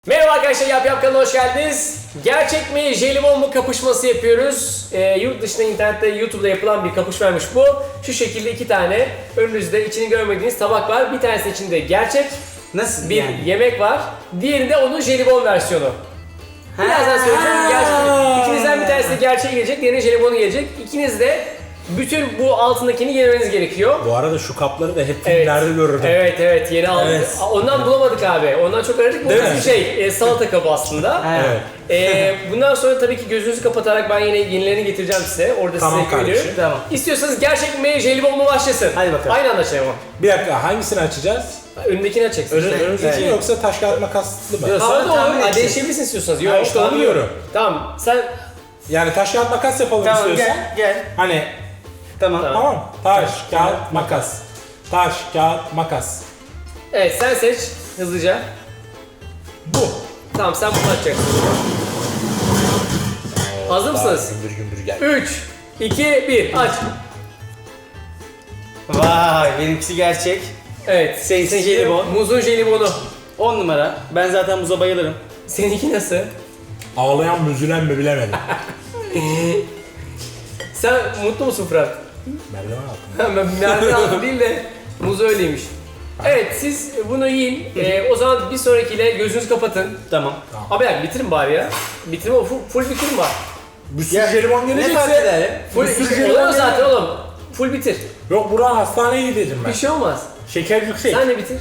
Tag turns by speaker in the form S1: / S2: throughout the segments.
S1: Merhaba arkadaşlar, Yap kanalına hoş geldiniz. Gerçek mi, jelibon mu kapışması yapıyoruz. Yurt dışında, internette, YouTube'da yapılan bir kapışmaymış bu. Şu şekilde iki tane önünüzde içini görmediğiniz tabak var. Bir tanesi içinde gerçek
S2: Nasıl
S1: bir
S2: yani?
S1: yemek var. Diğerinde onun jelibon versiyonu. Birazdan söyleyeceğim. Gerçek. İkinizden bir tanesi de gerçeği gelecek, diğerine jelibonu gelecek. İkiniz de bütün bu altındakini yemeniz gerekiyor.
S3: Bu arada şu kapları da hep filmlerde görürdüm.
S1: Evet, yeni aldık.
S2: Evet.
S1: Ondan bulamadık abi. Ondan çok aradık. Bu
S2: Değil
S1: bir
S2: mi?
S1: şey, salata kabı aslında.
S2: Evet.
S1: Bundan sonra tabii ki gözünüzü kapatarak ben yine yenilerini getireceğim size. Orada
S3: Tamam
S1: size
S3: kardeşim.
S1: veriyorum.
S2: Tamam.
S1: İstiyorsanız gerçek mi, jelibon mu başlasın?
S2: Hadi bakalım.
S1: Aynı anda açalım ama.
S3: Bir dakika, hangisini açacağız?
S1: Önündekini açacaksın.
S3: Önümüzdeki
S2: Evet.
S3: yoksa taş kağıt makaslı mı?
S2: Yok.
S1: Havada
S2: Sonra tahmin
S1: olur.
S2: edeceğiz.
S1: Değişebilirsin istiyorsanız. Yok,
S3: Ha, işte onu diyorum.
S1: Tamam. Sen
S3: Yani taş kağıt makas yapalım
S2: Tamam
S3: istiyorsan.
S2: gel.
S3: Hani
S2: Tamam.
S3: tamam. Taş kağıt makas. Taş kağıt makas.
S1: evet, sen seç hızlıca.
S3: Bu.
S1: Tamam, sen bunu açacaksın. Hazır mısınız?
S3: Gümbür gümbür gel.
S1: 3 2 1 aç.
S2: Vay benimkisi gerçek.
S1: Evet.
S2: Seninki jelibon.
S1: Muzun jelibonu.
S2: 10 numara. Ben zaten muza bayılırım.
S1: Seninki nasıl?
S3: Ağlayan mı üzülen mi bilemedim.
S1: Sen mutlu musun Fırat?
S3: Merdiven altında.
S1: Ben merdiven altı değil de muz öyleymiş. Evet, siz bunu yiyin. O zaman bir sonrakiyle gözünüzü kapatın.
S2: Tamam.
S1: Abi ya bitirin bari ya. Bitirin o full bitirin bari.
S3: Bir sürü jelibon
S2: Ne fark
S3: gelecekse.
S2: eder?
S1: Full
S3: Bir sürü
S1: işte
S3: jelibon
S1: oluyor zaten
S3: gelecek.
S1: oğlum. Full bitir.
S3: Yok, Burak'a hastaneye gideceğim ben.
S1: Bir şey olmaz.
S3: Şeker yüksek.
S1: Sen de bitir.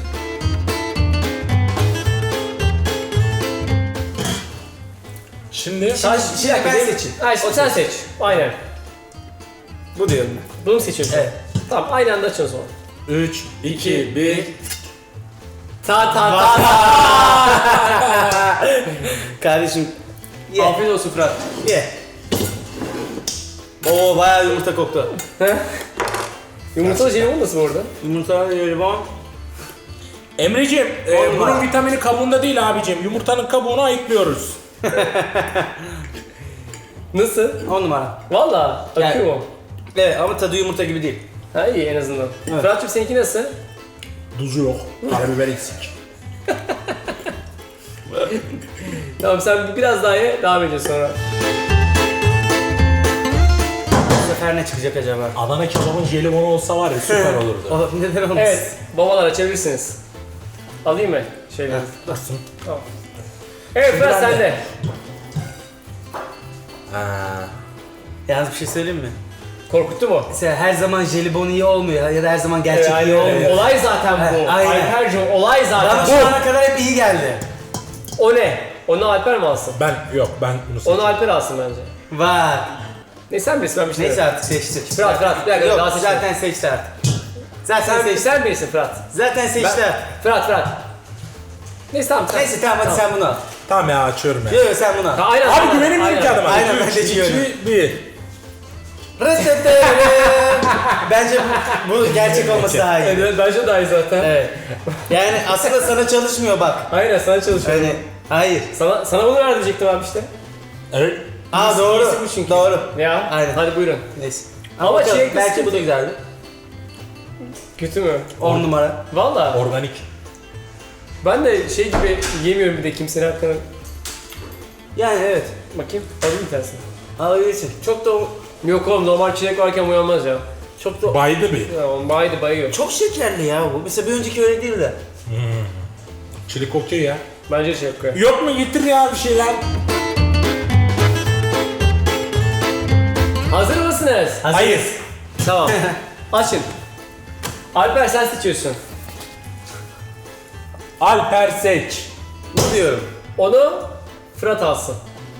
S3: Şimdi
S2: Şimdi ben seçeyim.
S1: Ha, işte sen seç. Aynen.
S2: Bu diyorum ben.
S1: Bunu mu seçiyorsun?
S2: Evet.
S1: Tamam, aynı anda açın o zaman.
S3: 3, 2, 1.
S1: Ta.
S2: Kardeşim. Ye.
S1: Afiyet olsun Fırat.
S2: Ye. Oo bayağı yumurta koktu.
S1: Yumurtalı jelibon nasıl bu arada?
S2: Yumurta jelibon.
S3: Emreciğim,
S2: Olmaz.
S3: bunun vitamini kabuğunda değil abicim. Yumurtanın kabuğunu ayıklıyoruz.
S1: Nasıl?
S2: 10 numara.
S1: Valla akıyor
S2: Yani-
S1: mu?
S2: Evet ama tadı yumurta gibi değil.
S1: Ha, iyi en azından.
S2: Evet.
S1: Fırat'cığım seninki nasıl?
S3: Tuzu yok. Karabiber eksik.
S1: Tamam, sen biraz daha ye, devam ediyoruz sonra.
S2: Bu sefer ne çıkacak acaba?
S3: Adana kebabın jelibonu olsa var ya süper olurdu.
S2: O neden olmasın?
S1: Evet, babalar açabilirsiniz. Alayım mı? Şeyleri.
S3: Dursun.
S1: Tamam. Evet Fırat,
S3: ben de.
S1: sende.
S2: Yalnız bir şey söyleyeyim mi?
S1: Korkuttu mu?
S2: Mesela her zaman jelibon iyi olmuyor ya da her zaman gerçek
S1: Evet,
S2: iyi
S1: aynen.
S2: olmuyor.
S1: Olay zaten bu.
S2: Evet, aynen.
S1: Alper'cim, olay
S2: Bana
S1: zaten
S2: şu
S1: bu.
S2: ana kadar hep iyi geldi.
S1: O ne? Onu Alper mi alsın?
S3: Ben bunu
S1: Onu
S3: seçtim.
S1: Alper alsın bence.
S2: Var.
S1: Ne, sen bilirsin, ben bir şey
S2: Neyse
S1: demem.
S2: artık seçti.
S1: Fırat, bir dakika,
S2: Yok
S1: daha seçme.
S2: zaten seçti artık. Zaten
S1: Sen,
S2: seçti.
S1: sen bilirsin Fırat.
S2: Zaten seçti artık.
S1: Fırat. Neyse tamam.
S2: Neyse tamam hadi sen bunu al.
S3: Tamam ya, açıyorum ya.
S2: Yok yok sen bunu al.
S1: Aynen.
S3: Abi
S1: aynen,
S3: güvenemiyorum
S1: aynen.
S3: ki adama.
S2: Aynen,
S3: 3,
S2: ben de
S3: 2,
S2: diyorum.
S3: 1.
S2: Bence bu gerçek olması daha iyi.
S1: Evet, bence daha iyi zaten.
S2: Evet. Yani aslında sana çalışmıyor bak.
S1: Aynen, sana çalışıyorum.
S2: Hani hayır.
S1: Sana bunu ver diyecektim abi işte.
S3: Evet.
S2: Aa
S1: İyisi
S2: doğru.
S1: bu çünkü.
S2: Doğru.
S1: Ya,
S2: Aynen.
S1: hadi buyurun.
S2: Neyse.
S1: Ama
S2: bakalım,
S1: çilekli
S2: belki
S1: sıkıntı.
S2: bu da güzeldi.
S1: Kötü mü?
S2: 10 numara.
S1: Valla.
S3: Organik.
S1: Ben de şey gibi yemiyorum bir de kimsenin hakkını.
S2: Yani evet.
S1: Bakayım, alayım bir tanesini.
S2: Alabilirsin. Çok da
S1: Yok oğlum, normal çilek varken uyanmaz ya.
S2: çok da
S3: Baydı bir.
S1: Ya oğlum, bayıyor.
S2: çok şekerli ya bu. Mesela bir önceki öyle değil de.
S3: Çilik okey ya.
S1: Bence şey yapıyor.
S3: Yok mu, getir ya bir şeyler.
S1: Hazır mısınız?
S3: Hayır.
S1: Tamam. Açın. Alper, sen seçiyorsun.
S3: Alper seç.
S2: Bu diyorum.
S1: Onu Fırat alsın.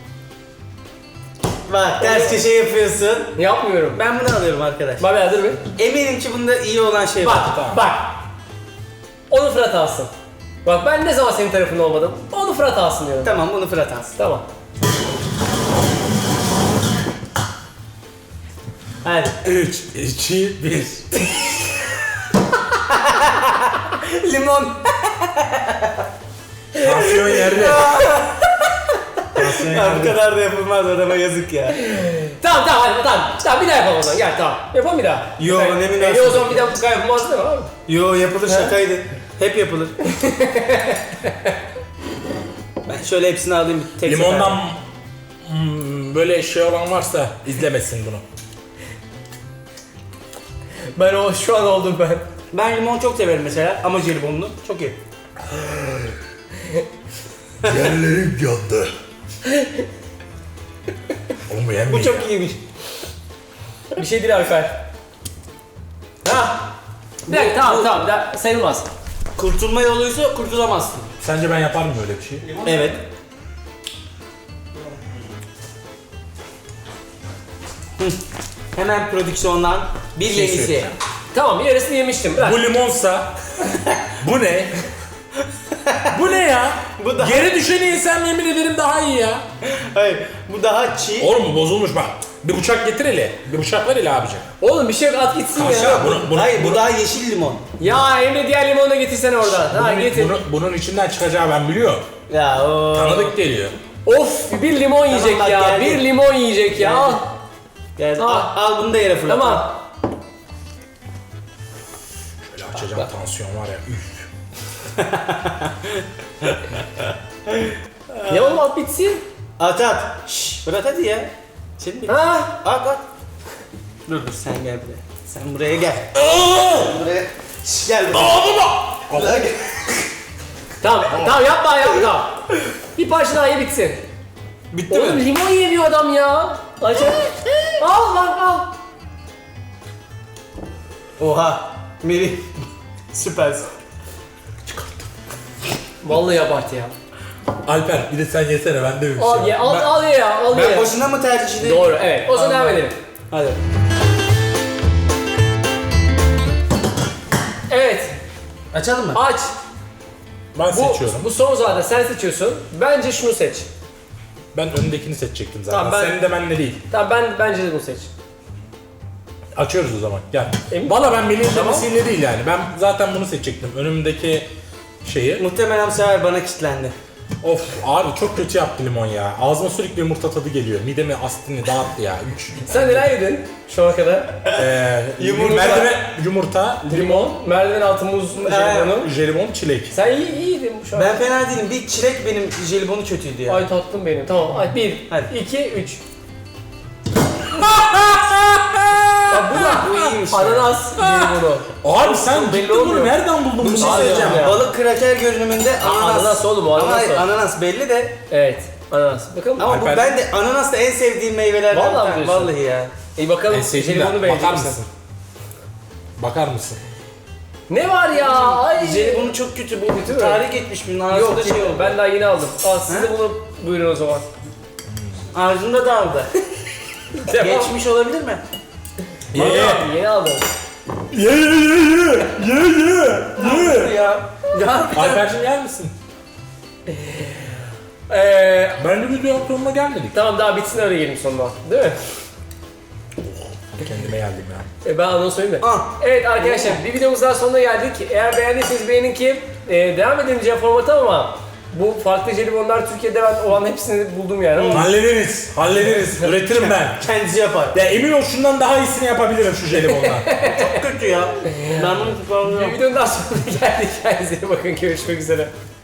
S2: Bak ters köşe yapıyorsun.
S1: Yapmıyorum.
S2: Ben bunu alıyorum arkadaş.
S1: Bak hazır mı?
S2: Eminim ki bunda iyi olan şey var.
S1: Bak. Onu Fırat alsın. Bak, ben ne zaman senin tarafında olmadım. Onu Fırat alsın diyorum.
S2: Tamam bunu Fırat alsın.
S1: Tamam.
S2: Hadi.
S3: 3, 2, 1.
S2: Limon.
S3: Tansiyon yerde. Tansiyon
S2: Ya bu
S3: yerde.
S2: kadar da yapılmaz adama yazık ya.
S1: Tamam hadi tamam bir daha yapalım o zaman, gel tamam. Yapalım bir daha.
S2: Yo, ne münasebet.
S1: O zaman bir daha bu kadar yapılmaz değil mi abi?
S2: Yo yapılır şakaydı. Hep yapılır. Ben Şöyle hepsini alayım bir tek
S3: Limondan
S2: seferde.
S3: böyle şey olan varsa izlemesin bunu.
S1: Ben o şu an oldum ben.
S2: Ben limon çok severim mesela ama jelibonlu çok iyi.
S3: Yerlerim yandı. Oğlum bu yenmiyor.
S2: Bu çok iyiymiş.
S1: Bir şey değil Alper. Ha. Bir dakika tamam sayılmaz.
S2: Kurtulma yoluysa kurtulamazsın.
S3: Sence ben yapar mıyım öyle bir şey?
S2: Evet. Hemen prodüksiyondan bir
S3: Şey
S2: yenisi.
S3: söyleyeceğim.
S1: Tamam yarısını yemiştim. Bırak.
S3: Bu limonsa bu ne? Bu ne ya?
S2: Bu da-
S3: Yere düşeni yesem yemin ederim daha iyi ya.
S2: Hayır, bu daha çiğ.
S3: Oğlum bu bozulmuş bak. Bir bıçak getir hele. Bir bıçak ver hele abicim.
S1: Oğlum bir şey yok at gitsin ya.
S3: Aşağı bunu,
S2: Hayır, bu daha yeşil limon.
S1: Ya Emre diğer limonu da getirsene oradan. Ha getir.
S3: bunun içinden çıkacağı ben biliyorum.
S2: Ya o.
S3: Tanıdık geliyor.
S1: Of bir limon yiyecek
S2: bak,
S1: ya.
S2: geldi.
S1: Bir limon yiyecek ya. Al.
S2: Gel,
S1: Tamam.
S2: al bunu da yere fırlat.
S1: Tamam.
S3: Şöyle açacağım tansiyon var ya. Üf.
S1: Ya oğlum at bitsin.
S2: At at. Şşş, fırlat hadi ya. Senin bir.
S1: Ha.
S2: At at. Dur sen gel buraya. Sen buraya gel. Buraya. Şşş gel buraya. Buraya gel.
S1: Tamam yapma. Bir parça daha ye bitsin.
S2: Bitti
S1: Oğlum
S2: mi?
S1: limon yemiyor adam ya. Acayip. Al lan al.
S2: Oha. Melih. Süpersin.
S1: Vallahi abartı ya.
S3: Alper bir de sen yesene ben de bir şey.
S1: Al ye al ye ya al
S2: Ben
S1: ye.
S2: boşuna mı tercih edeyim?
S1: Doğru evet. O zaman devam edelim.
S2: Hadi.
S1: Evet
S2: Açalım mı?
S1: aç.
S3: Ben seçiyorum.
S1: Bu son zaten sen seçiyorsun. Bence şunu seç.
S3: Ben öndekini seçecektim zaten.
S1: Tamam, ben-
S3: Senin de benle değil.
S1: Tamam bence de bunu seç.
S3: Açıyoruz o zaman. Gel.
S1: Emin-
S3: Valla ben Melih'in
S1: Tamam.
S3: demesiyle değil yani. Ben zaten bunu seçecektim. Önümdeki şeyi.
S2: Muhtemelen bu sefer bana kilitlendi.
S3: Of abi çok kötü yaptı limon ya. Ağzıma sürekli yumurta tadı geliyor. Midemi astini dağıttı ya. 3.
S1: Sen neler yedin şu ana kadar?
S3: Yumurta. Merdiven, yumurta,
S1: Limon, merdiven altı muz, jelibonu.
S3: jelibon, çilek.
S1: Sen iyiydin şu an.
S2: Ben fena değilim. Bir çilek benim jelibonu kötüydü ya.
S1: Ay tatlım benim. Tamam. Ay 1,
S2: Hadi.
S1: 2, 3. Ya bu
S2: iyiymiş ya.
S1: ananas jelibonu.
S3: Abi sen
S1: belli
S3: ciddi
S1: olmuyor.
S3: bunu nereden buldun
S2: Bir
S3: bunu?
S2: şey
S1: Abi
S2: söyleyeceğim.
S1: ya.
S2: Balık kraker görünümünde ananas.
S1: ananas oğlum, o ananas
S2: Ama
S1: o.
S2: ananas belli de.
S1: Evet. Ananas. Bakalım.
S2: Ama bu
S3: Alper-
S2: ben de ananas da en sevdiğim meyvelerden.
S1: Vallahi
S2: bir tane.
S1: diyorsun.
S2: Vallahi ya.
S1: İyi bakalım.
S3: En sevdiğim
S1: Jelibonu
S3: de
S1: beğenecek
S3: bakar
S1: misin?
S3: mısın? Bakar mısın?
S1: Ne var ya? Ay.
S2: Jelibonu çok kötü bu.
S1: Kötü mü?
S2: Tarih geçmiş bunun ağzında
S1: Yok
S2: şey oldu.
S1: ben daha yeni aldım. Al siz de bunu buyurun o zaman.
S2: Ağzında dağıldı.
S1: Devam.
S2: Geçmiş olabilir mi?
S1: Vallahi yeni aldım.
S3: Ye.
S2: Ya. Ya.
S3: Alper'cim yer misin? Ben de video sonuna gelmedik.
S1: Tamam daha bitsin öyle geleyim sonuna. Değil mi?
S3: Kendime geldim ya.
S1: Ben anons söyleyeyim de.
S2: Ah.
S1: Evet arkadaşlar bir videomuz daha sonuna geldik. Eğer beğendiyseniz beğenin ki devam edemeyeceğim formatı ama bu farklı jelibonlar Türkiye'de ben olan hepsini buldum yani ama
S3: Hallederiz. Üretirim ben.
S2: Kendisi yapar.
S3: Ya emin ol şundan daha iyisini yapabilirim şu jelibondan.
S2: Çok kötü ya. Ben bunu kullanıyorum.
S1: bir videonun daha sonuna geldik. Kendinize iyi bakın görüşmek üzere.